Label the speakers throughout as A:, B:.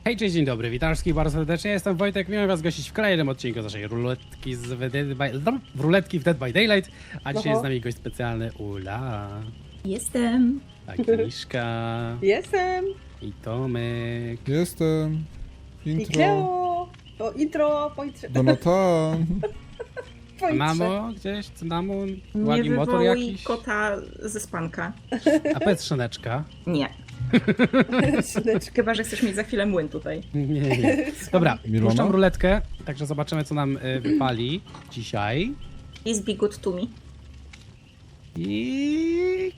A: Hej, cześć, dzień dobry, witam wszystkich bardzo serdecznie, jestem Wojtek, miałem was gościć w kolejnym odcinku naszej ruletki ruletki w Dead by Daylight, a dzisiaj jest z nami gość specjalny Ula,
B: Jestem.
A: Agnieszka
C: Jestem.
A: i Tomek.
D: Jestem.
C: I
D: Intro.
C: Kleo. O, intro, pointrze.
D: Donatan.
A: Mamo, gdzieś, cynamon,
B: Nie
A: ładny motor
B: wywołuj
A: jakiś,
B: kota ze spanka.
A: a powiedz Szyneczka.
B: Nie. Chyba, że chcesz mieć za chwilę młyn tutaj.
A: Nie. Dobra,
D: Milona?
A: puszczam ruletkę, także zobaczymy co nam wypali dzisiaj.
B: Is be good to me.
A: I...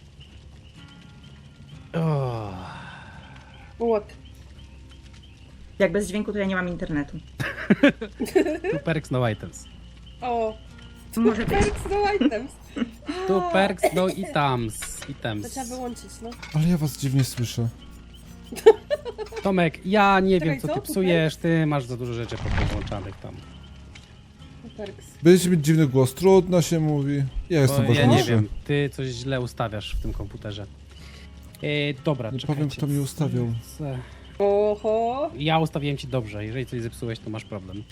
A: O.
C: What?
B: Jak bez dźwięku, to ja nie mam internetu.
A: Two perks, no items.
C: O,
B: Może być.
C: perks no items.
A: Two perks, no items.
C: To trzeba wyłączyć, no.
D: Ale ja was dziwnie słyszę.
A: Tomek, ja nie
C: Czekaj,
A: wiem co
C: co?
A: ty psujesz, ty masz za dużo rzeczy podłączanych tam.
C: Perks.
D: Będziecie mieć dziwny głos, trudno się mówi. Ja jestem
A: Bo ja nie
D: ważniejszy.
A: wiem, ty coś źle ustawiasz w tym komputerze. Dobra,
D: Nie
A: czekajcie.
D: powiem, kto mi ustawiał.
C: Oho.
A: Ja ustawiłem ci dobrze, jeżeli coś zepsułeś, to masz problem.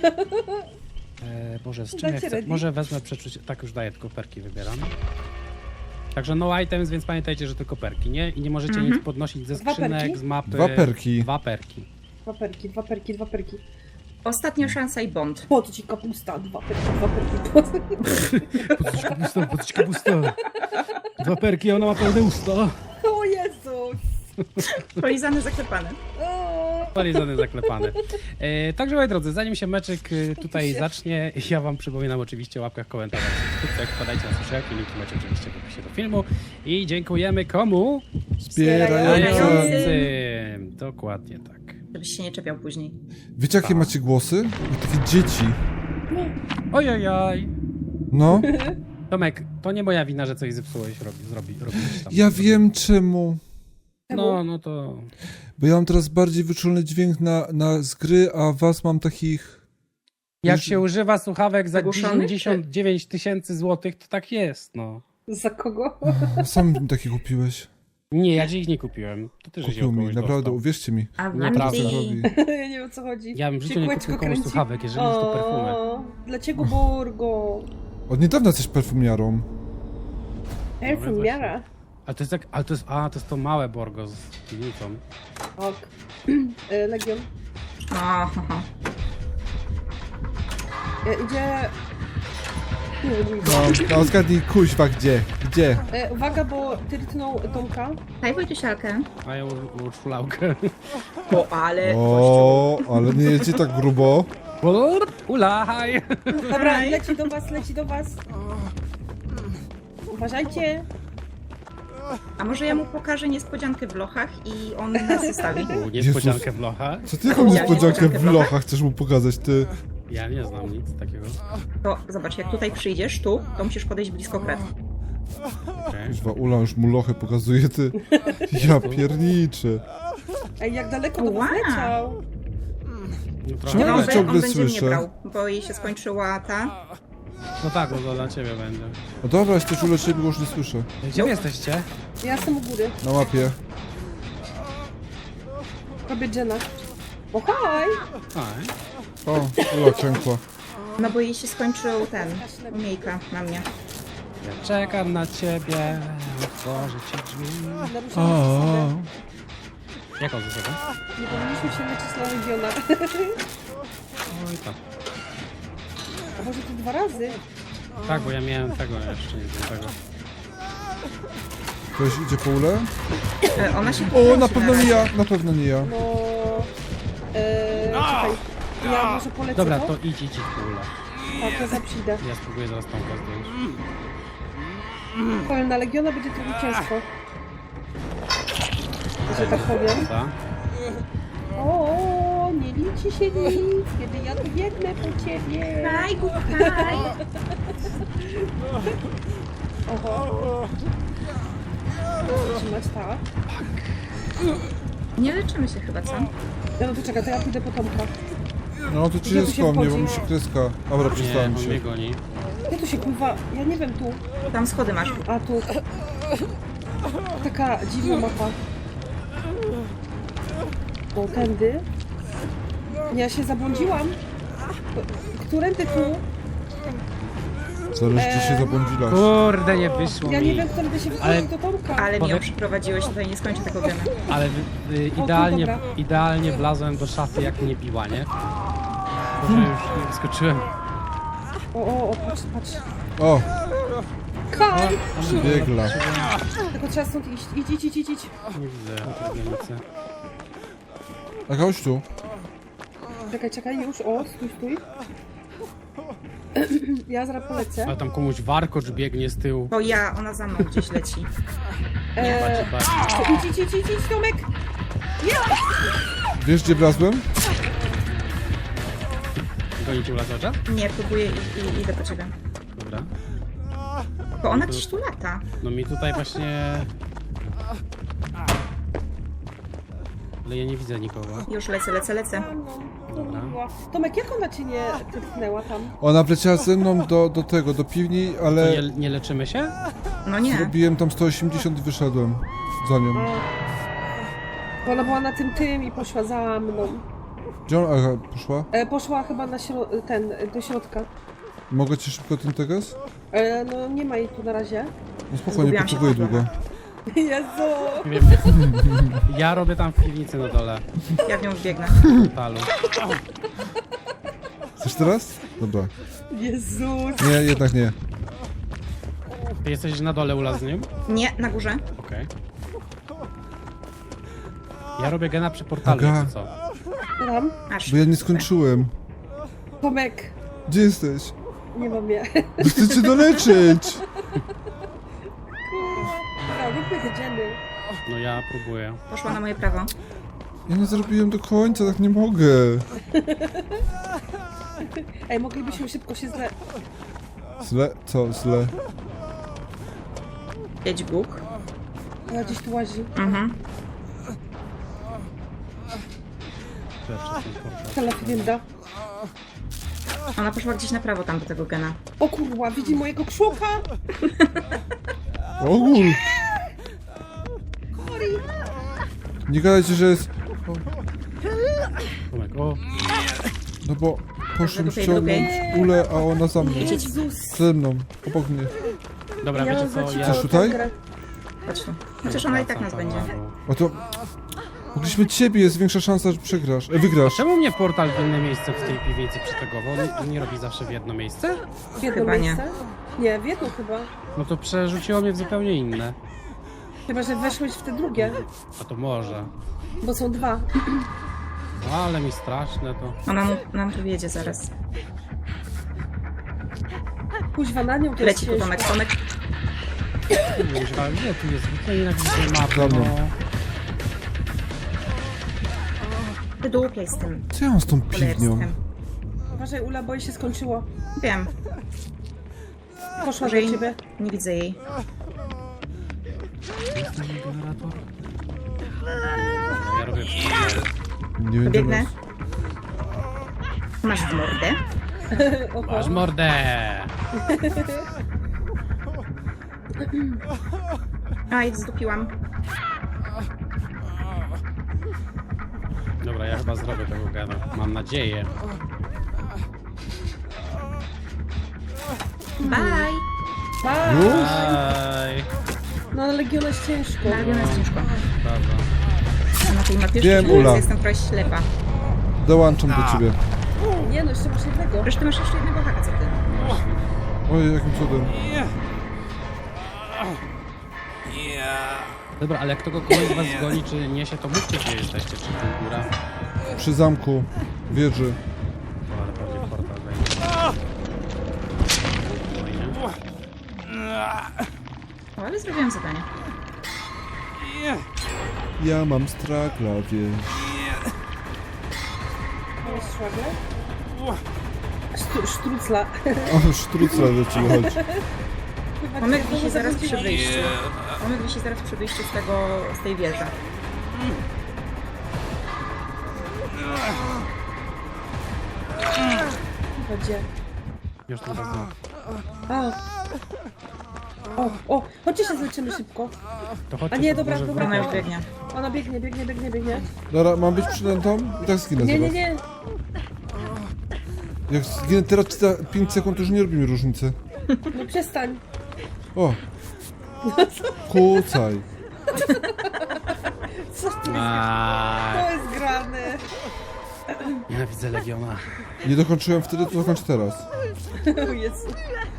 A: Boże, z czym ja
C: Dacie
A: chcę?
C: ready?
A: Może wezmę przeczucie, tak już daję, tylko perki wybieram. Także no items, więc pamiętajcie, że tylko perki, nie? I nie możecie nic podnosić ze
C: Dwa
A: skrzynek,
C: perki?
A: z mapy.
D: Dwa perki.
A: Dwa perki.
C: Dwa perki, dwa perki, dwa perki.
B: Ostatnia szansa i bond.
C: Po to ci kapusta, dwa perki, dwa perki.
A: Podać kapusta. Dwa perki, ona ma pełne usta.
C: O Jezus.
B: Polizany zaklepany.
C: O.
A: Polizony zaklepany. Także moi drodzy, zanim się meczyk tutaj zacznie, ja wam przypominam oczywiście o łapkach, komentarzach, subskrypcjach, wpadajcie na socialki, linki macie oczywiście w opisie do filmu i dziękujemy komu?
D: Wspierający.
A: Wspierającym. Dokładnie tak.
B: Żebyś się nie czepiał później.
D: Wiecie jakie macie głosy? Jak takie dzieci.
A: Ojojoj.
D: No.
A: Tomek, to nie moja wina, że coś zepsułeś, robisz tam.
D: Ja wiem czemu.
A: No to...
D: Bo ja mam teraz bardziej wyczulny dźwięk z gry, a was mam takich...
A: Jak się używa słuchawek za
B: Zagłuszonych?
A: 99 tysięcy złotych, to tak jest, no.
C: Za kogo?
D: Sam mi takie kupiłeś.
A: Nie, ja ci ich nie kupiłem. To ty, że się
D: Kupił mi,
A: kogoś
D: naprawdę,
A: dostał.
D: uwierzcie mi.
B: A
A: Naprawdę
D: Co
B: Wandy.
D: robi?
C: Ja nie wiem o co chodzi.
A: Ja bym w życiu
C: Się
A: nie
C: kółeczko
A: kupił komuś
C: kręci.
A: słuchawek, jeżeli już to perfumy.
C: O, dlaczego Burgo?
D: Od niedawna jesteś perfumiarą.
C: Perfumiara.
A: Ale to jest to małe Borgo z piwnicą.
C: Ok. Legion.
B: Aha.
C: Idzie... Nie wiem,
D: No zgadnij, kuźwa, gdzie? Gdzie?
C: uwaga, bo tyrtnął Tomka.
B: Daj Wojtusialkę.
A: A ja urszulałkę.
B: O, ale...
D: O, ale nie jedzie tak grubo.
A: Ulaj!
C: Dobra, leci do was, leci do was. Uważajcie.
B: A może ja mu pokażę niespodziankę w lochach i on nas zostawi?
A: Niespodziankę w lochach.
D: Co ty jaką
B: Ja
D: niespodziankę
B: niespodziankę
D: w
B: w
D: lochach chcesz mu pokazać, ty?
A: Ja nie znam nic takiego.
B: To zobacz, jak tutaj przyjdziesz, tu, to musisz podejść blisko kret.
A: Okay.
D: Kuźwa, Ula już mu lochy pokazuje, ty. Ja pierniczę.
C: Ej, jak daleko do was
B: Wow.
C: leciał.
A: No,
D: Czemu
A: trochę.
D: ja ciągle
B: on będzie mnie
D: słyszę?
B: brał, bo jej się skończyła ta...
A: No tak, no to dla ciebie będzie.
D: No dobra, jesteś uleczony, bo już nie słyszę.
A: Gdzie wy jesteście?
C: Ja jestem u góry.
D: Na mapie.
C: Robię Jenna. O, haj!
A: Aj.
D: O, Ula klękła.
B: No bo jej się skończył ten, umiejka na mnie.
A: Ja czekam na ciebie, otworzę ci drzwi.
C: Naruszamy
D: O,
C: zasadę.
A: Jaką zasadę?
C: Nie powinniśmy się leczyć na Legiona.
A: Oj tak.
C: A może to 2 razy?
A: Tak, bo ja miałem tego jeszcze, nie wiem tego.
D: ktoś idzie po Ulę?
B: Ona się
D: O,
B: pokręci
D: na pewno nie
B: razie.
D: ja, na pewno nie ja.
C: No... Czekaj. Ja może polecę
A: Dobra,
C: to?
A: to idź w ogóle.
C: Tak, ja zaprzijdę.
A: Ja spróbuję zaraz Tomka zdjąć.
C: Powiem, na Legiona będzie trochę ciężko. Że tak powiem.
A: Ta?
C: O, nie liczy się nic, kiedy ja tu biegnę po ciebie.
B: Haj, haj.
C: Oho. Trzymać tak.
B: Nie leczymy się chyba, co?
C: No to czekaj, to ja pójdę po Tomka.
D: No to ci
C: Gdzie tu
D: jest
C: się
D: po mnie, bo
C: wchodzi?
D: mi się kreska. Dobra,
A: Nie,
D: przestałem
A: on mnie
D: się.
A: goni.
C: Ja tu się kurwa, ja nie wiem tu.
B: Tam schody masz.
C: A tu. Taka dziwna mapa. O, tędy. Ja się zabłądziłam. Którędy tu?
D: Zależy, czy się zabłądziłaś.
A: Kurde, nie wyszło
C: Ja nie
A: mi.
C: wiem, którędy się
A: Ale-
C: wychodzi do Tomka.
B: Ale mi ją
A: Powiem-
B: przyprowadziłeś, tutaj nie skończę tego gena.
A: Ale
C: tu,
A: idealnie,
C: dobra.
A: idealnie wlazłem do szafy, jak mnie biła, nie? Może już nie wyskoczyłem.
C: O, patrz.
D: O,
C: Kaj!
D: biegla.
C: Tylko trzeba stąd iść. Idź.
A: Nie widzę tej granicy.
D: A chodź tu.
C: Czekaj, już. O, stój. Ja zaraz polecę.
A: Ale tam komuś warkocz biegnie z tyłu.
B: To ja, ona za mną gdzieś leci.
A: Patrz.
C: Idź, Tomek!
D: Wiesz, gdzie wlazłem?
A: Goni cię lasacza?
B: Nie, próbuję i idę po ciebie.
A: Dobra.
B: Bo ona gdzieś tu lata.
A: No mi tutaj właśnie... Ale ja nie widzę nikogo.
B: Już lecę.
A: Dobra.
C: Tomek, jak ona cię nie typnęła tam?
D: Ona wleciała ze mną do piwni,
A: To
D: ale
A: nie leczymy się?
B: No nie.
D: zrobiłem tam 180 i wyszedłem za nią.
C: Bo ona była na tym i poszła za mną.
D: Gdzie ona aha, poszła?
C: Poszła chyba na do środka.
D: Mogę ci szybko ten teges?
C: No nie ma jej tu na razie.
D: No spokojnie,
B: Zgubiłam się
D: potrzebuję
B: w ogóle.
D: długo.
C: Jezu!
A: Nie wiem. Ja robię tam w piwnicy na dole.
B: Ja w nią wbiegnę.
A: Talu.
D: Chcesz teraz? Dobra.
C: Jezus!
D: Nie, jednak nie.
A: Ty jesteś na dole Ula z nim?
B: Nie, na górze.
A: Okej. Ja robię gena przy portalu,
D: Aga.
A: czy co?
C: Tam?
B: Aż.
D: Bo ja nie skończyłem.
C: Tomek!
D: Gdzie jesteś?
C: Nie mam je.
D: No chcę cię doleczyć!
C: Róbmy te dżemy.
A: No ja próbuję.
B: Poszła na moje prawo.
D: Ja nie zrobiłem do końca, tak nie mogę.
C: Ej, moglibyśmy szybko się
D: Zle? Co? Zle?
B: Jedź Bóg.
C: Ja gdzieś tu łazi.
B: Mhm.
C: Telefinda.
B: Ona poszła gdzieś na prawo tam do tego gena.
C: O kurwa, widzi mojego krzuka!
D: Ogól! Nie gadajcie, że jest...
A: Tomek, o.
D: No bo poszłem
B: Drugiej,
D: ściągnąć ulę, a ona za mną.
C: Jezus!
D: Ze mną, obok mnie.
A: Dobra, wiecie co? Ja...
D: Chcesz tutaj?
B: Chodź tu. Chociaż ona i tak nas będzie.
D: O to... Mogliśmy ciebie, jest większa szansa, że przegrasz. Wygrasz.
A: Czemu mnie portal w inne miejsce w tej piwnicy przytagował? On nie robi zawsze w jedno miejsce?
C: W jedno
B: Chyba nie.
C: miejsce? Nie, w jedno chyba.
A: No to przerzuciło mnie w zupełnie inne.
C: Chyba, że weszłeś w te drugie,
A: A to może.
C: bo są dwa.
A: No, ale mi straszne to.
B: Ona nam tu wjedzie zaraz.
C: Kuźwa, na nią to jest
B: Leci tu
C: ciężko.
B: Tomek.
A: Kuźwa, gdzie tu jest? To nienawidzę mapy,
D: Za mną.
A: no.
B: Wydłupiaj z tym
D: Co ja mam z tą piwnią?
B: cholerstwem.
C: Uważaj, Ula, bo jej się skończyło.
B: Wiem.
C: Poszła
B: Może
C: do
B: jej...
C: ciebie.
B: Nie widzę jej.
A: Jest ten generator? Ja robię
D: Nie wiem, gdzie
B: Biegnę.
D: masz.
B: Masz w mordę.
A: Masz mordę!
B: Aj, zdupiłam.
A: Dobra, ja chyba zrobię tego gena. Mam nadzieję.
B: Bye!
C: Tak,
D: Już?
A: Ej,
C: no ale Legiona jest ciężko.
B: Na jest ciężko.
A: dobra.
B: Na tej mapie
D: Wiem,
B: szczerze
D: Ula.
B: jestem trochę ślepa.
D: Dołączam do ciebie.
C: Nie no, jeszcze masz jednego.
B: Przecież ty masz jeszcze jednego haka, co ty?
D: Oj, jakim cudem.
A: Dobra, ale jak to kogoś z was zgoni, czy niesie, to mówcie, gdzie jesteście, czy tu góra.
D: Przy zamku wieży.
A: O, ale pewnie portal będzie. Fajnie.
B: O, ale zrobiłam zadanie.
D: Ja mam strakla, wiesz.
C: Masz szwagier? Sztrucla.
D: O, sztrucla do ciebie chodzi.
B: Tomek wisi zaraz przy wyjściu. Tomek wisi zaraz przy wyjściu z tej wieży.
C: Gdzie?
A: Już tu bardzo.
C: A. O, chodźcie się zleczymy szybko.
A: To chodźcie,
C: A nie,
A: to
C: dobra,
A: może
C: dobra.
B: Ona już
A: wrócę.
B: biegnie.
C: Ona biegnie.
D: Dobra, mam być przynętą? I tak zginę
C: Nie,
D: zaraz.
C: nie, nie.
D: Jak zginę teraz czy za 5 sekund, to już nie robi mi różnicy.
C: No przestań.
D: O! Kucaj.
C: Co to
A: Aj,
C: jest grane?
A: nienawidzę Legiona.
D: Nie dokończyłem wtedy, to dokończę teraz.
C: O Jezu.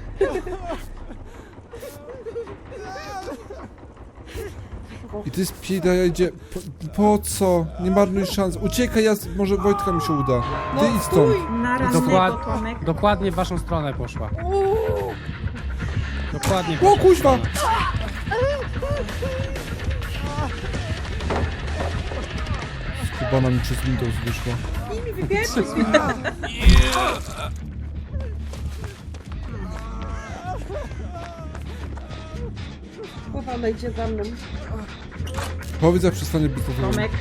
D: I ty spida, ja idzie. Po co? Nie marnuj szans. Uciekaj, może Wojtka mi się uda. Ty idź stąd.
B: Na raz Tomek.
A: Dokładnie w waszą stronę poszła. Dokładnie w
D: O
A: waszą
D: kuźwa!
A: stronę.
D: Chyba mi przez Windows wyszła.
C: I mi wybierzcie Głowa ona idzie za mną.
D: Powiedz, jak przestanie być to.
B: Tomek.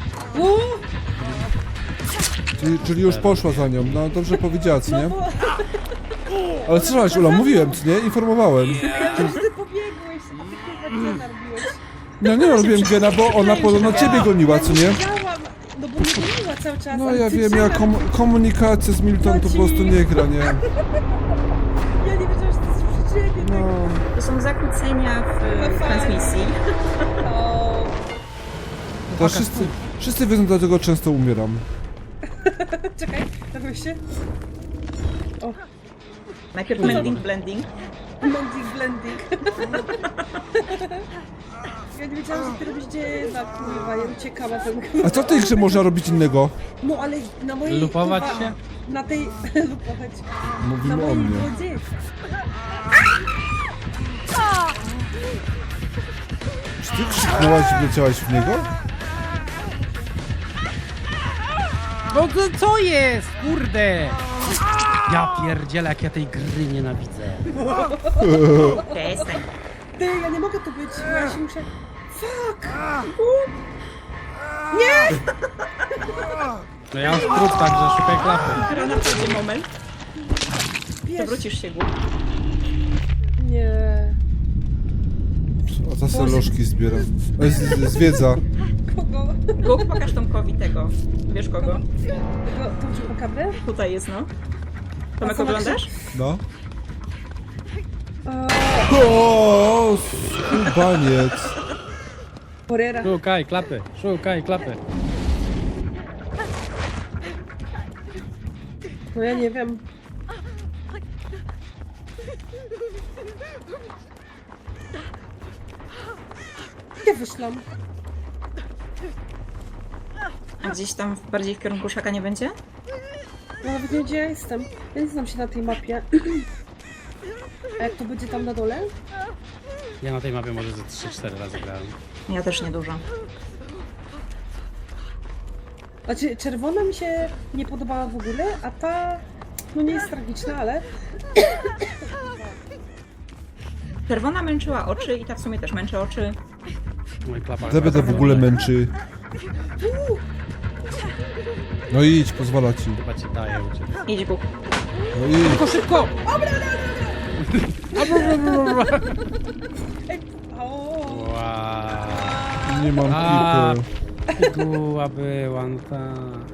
D: Czyli już poszła za nią. No dobrze powiedziała, co nie?
C: Bo
D: Ale słyszałaś, Ula, mówiłem, co nie? Informowałem.
C: ja wiem, że ty pobiegłeś, a ty chyba gena robiłeś.
D: No nie robiłem gena, bo ona podobno ciebie goniła, co nie?
C: Wiedziałam, no bo mnie goniła cały czas.
D: No
C: ale
D: ja
C: ty
D: wiem, ja
C: gena-
D: komunikacja z Milton to po prostu nie gra, nie?
C: Ja nie wiedziałam, że to jest przeciwnie.
D: No.
B: To są zakłócenia w transmisji.
C: O,
D: To wszyscy wiedzą, dlatego często umieram.
C: czekaj, dawaj się. O,
B: Najpierw mending, blending.
C: blending. Ja nie wiedziałam, że ty robisz dziena, kurwa, ja uciekała ten
D: A co w tej grze można robić innego?
C: No ale na mojej...
A: Lupować
C: kurwa,
A: się?
C: Na tej... lupować. Na
D: Mówimy o
C: mojej
D: mnie.
C: wodzie.
D: Czy ty krzyknęłaś i wleciałaś w niego?
A: No co jest? Kurde! Ja pierdzielę, jak ja tej gry nienawidzę.
B: Przestań.
C: Ty, ja nie mogę tu być, bo ja się muszę... Fuck!
A: No ja mam skrót, także szukaj klapy.
B: Dopiero nadchodzi moment.
C: Wiesz,
B: Przewrócisz się, Gu.
C: Nie...
D: O, ta se lożki zbiera. Zwiedza.
C: Kogo?
B: Gu, pokaż Tomkowi tego. Wiesz kogo?
C: Tego, tą czupakabę?
B: Tutaj jest, no.
C: A
B: Tomek,
C: co na
B: oglądasz?
D: No. O, skubaniec.
C: Porera.
A: Szukaj klapy, szukaj klapy.
C: No ja nie wiem. Ja wyszłam.
B: A gdzieś tam bardziej w kierunku szaka nie będzie?
C: Ja nawet nie wiem, gdzie ja jestem. Ja nie znam się na tej mapie. A jak to będzie tam na dole?
A: Ja na tej mapie może ze 3-4 razy grałem.
B: Ja też niedużo.
C: Znaczy, czerwona mi się nie podobała w ogóle, a ta... No nie jest tragiczna, ale...
B: Czerwona męczyła oczy i ta w sumie też męczy oczy.
A: Mój klapa.
D: Zebeda w ogóle męczy. No idź, pozwala ci.
A: Chyba ci daje uciec.
B: Idź, Gu.
D: No idź.
A: Szybko, szybko!
C: O,
A: Wow.
D: Nie mam
A: A.
D: pipy.
A: Piguła była, no ta.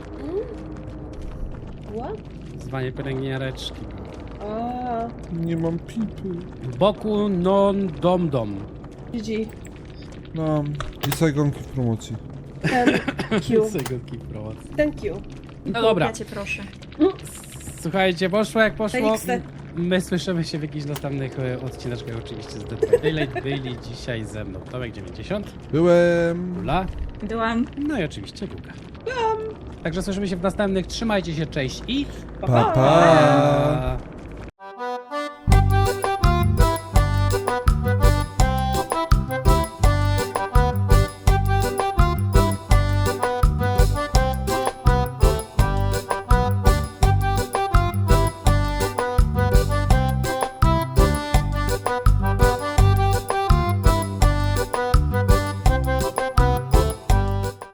C: What?
A: Zwanie pielęgniareczki.
C: A,
D: Nie mam pipy.
A: Boku non dom dom.
C: GG.
D: No, i Saigonki w promocji.
C: Thank you.
A: Segunki promocji.
C: Thank you.
A: No dobra,
B: Ja cię proszę.
A: słuchajcie, poszło jak poszło.
C: Feliksy.
A: My słyszymy się w jakichś następnych odcineczkach oczywiście z Dead by Daylight. Byli dzisiaj ze mną Tomek 90,
D: Byłem.
A: Ula,
B: Byłam.
A: no i oczywiście Guga. Także słyszymy się w następnych. Trzymajcie się, cześć i
D: Pa, pa.
A: pa!